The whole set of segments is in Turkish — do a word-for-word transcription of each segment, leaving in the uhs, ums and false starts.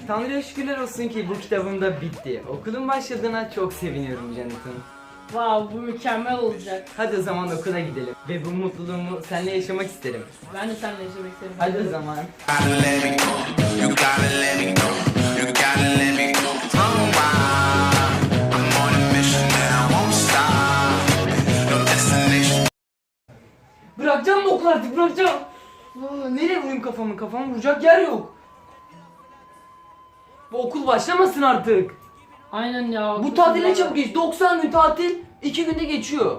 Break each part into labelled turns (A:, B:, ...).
A: Tanrı'ya şükürler olsun ki bu kitabım da bitti. Okulun başladığına çok seviniyorum Jonathan.
B: Wow, bu mükemmel olacak.
A: Hadi o zaman okula gidelim ve bu mutluluğumu seninle yaşamak isterim.
B: Ben de seninle yaşamak isterim.
A: Hadi o zaman. Bırakacağım mı okul artık, bırakacağım. Aa, nereye vurayım kafamı? Kafamı vuracak yer yok. Bu okul başlamasın artık.
B: Aynen ya.
A: Bu tatil ne çabuk geç. doksan gün tatil iki günde geçiyor.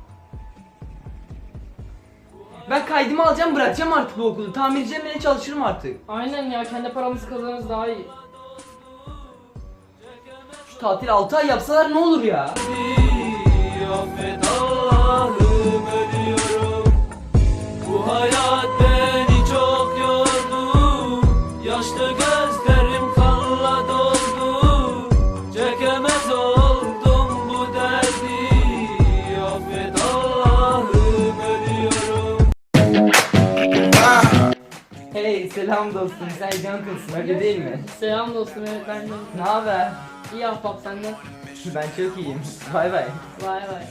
A: Ben kaydımı alacağım, bırakacağım artık bu okulu. Tamirciye bile çalışırım artık.
B: Aynen ya, kendi paramızı kazanırız daha iyi.
A: Şu tatil altı ay yapsalar ne olur ya?
C: Affet Allah'ım, ölüyorum. Bu hayat beni çok yordu. Yaşlı gözlerim kanla doldu. Çekemez oldum bu derdi. Affet Allah'ım, ölüyorum.
A: Hey selam dostum, sen Jonathan'sın öyle değil mi?
B: Selam dostum, evet ben de.
A: Ne haber?
B: İyi ahbap senden.
A: Ben çok iyiyim. Bay bay.
B: Vay vay.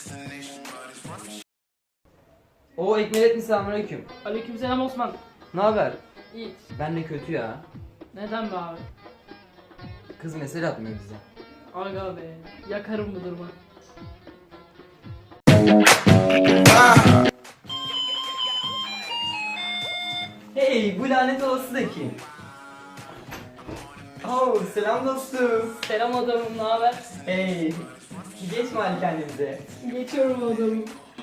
A: Oo Ekmelettin, selamünaleyküm.
B: Aleykümselam Osman.
A: Ne haber?
B: İyi.
A: Ben de kötü ya.
B: Neden be abi?
A: Kız mesaj atmıyor bize.
B: Aga be. Yakarım bu durumu.
A: Hey bu lanet olası da kim? Oo selam dostum.
B: Selam adamım, ne haber?
A: Hey. Geç malikannemize.
B: Geçiyorum adamım.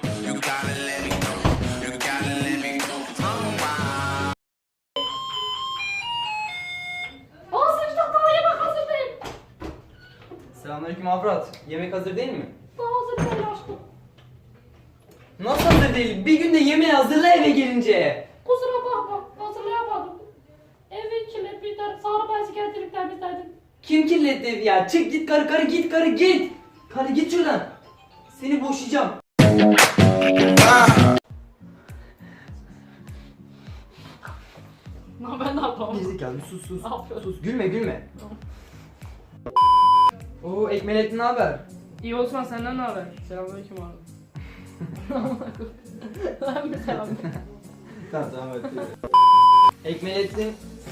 B: Aa sıçtıktan yemek hazır değil.
A: Selamünaleyküm Afrat. Yemek hazır değil mi?
B: Daha hazır değil aşkım.
A: Nasıl hazır değil? Bir günde yemeği hazırla eve gelince.
B: Kusura bakma, hazırlayamadım. Evi kirlet bir tane sarı bezi getirip temizledim.
A: Kim kirletti evi ya? Çık git karı karı git karı git. Karı git şuradan. Seni boşayacağım.
B: Ne ben ne yapamam?
A: Gerizekalı sus sus.
B: Ne yapıyorsun?
A: Sus gülme gülme. Oo Ekmelettin ne haber?
B: İyi Osman, senden ne haber? Selamünaleyküm abi. Ben mi selam?
A: Tamam tamam hadi. Ekmelettin.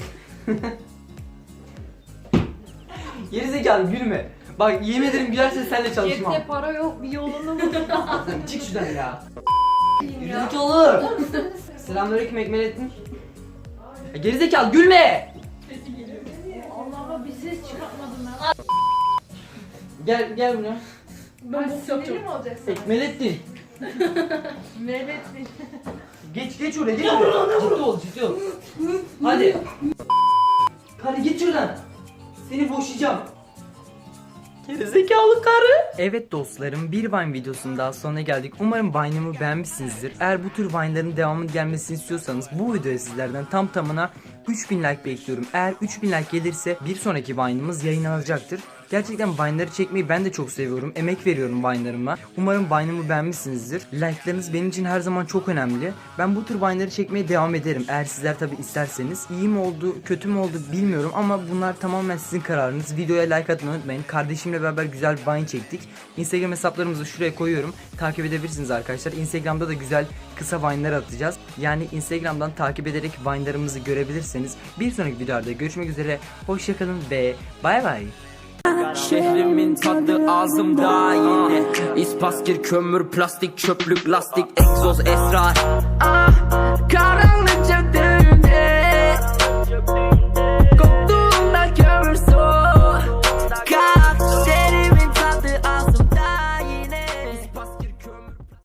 A: Gerizekalı gülme. Bak yemin ederim gülersen seninle çalışmam.
B: Cepte para yok, bir yolunu bul.
A: Çık şuradan ya. Gerizekalı. Selamünaleyküm Ekmelettin. Ya gerizekalı gülme.
B: Allah'ıma bir ses çıkartmadım ben.
A: Gel gel buraya.
B: Ben bok yapacağım.
D: mi olacak sana?
A: Ekmelettin.
D: Mehmet'in.
A: Geç geç oraya geç oraya. Ciddi ol ciddi ol. Hadi. Karı git şuradan. Seni boşayacağım. Gerizekalı karı. Evet dostlarım, bir Vine videosunun daha sonuna geldik. Umarım Vine'ımı beğenmişsinizdir. Eğer bu tür Vine'ların devamının gelmesini istiyorsanız bu videoya sizlerden tam tamına üç bin like bekliyorum. Eğer üç bin like gelirse bir sonraki Vine'ımız yayınlanacaktır. Gerçekten Vine'ları çekmeyi ben de çok seviyorum. Emek veriyorum Vine'larıma. Umarım Vine'ımı beğenmişsinizdir. Like'larınız benim için her zaman çok önemli. Ben bu tür Vine'ları çekmeye devam ederim. Eğer sizler tabi isterseniz. İyi mi oldu, kötü mü oldu bilmiyorum ama bunlar tamamen sizin kararınız. Videoya like atmayı unutmayın. Kardeşimle beraber güzel bir Vine çektik. Instagram hesaplarımızı şuraya koyuyorum. Takip edebilirsiniz arkadaşlar. Instagram'da da güzel kısa Vine'lar atacağız. Yani Instagram'dan takip ederek Vine'larımızı görebilirsiniz. Bir sonraki videoda görüşmek üzere. Hoşçakalın ve bay bay.
C: Şehrimin tadı ağzımda yine İspaskir, kömür, plastik, çöplük, lastik, egzoz, esrar.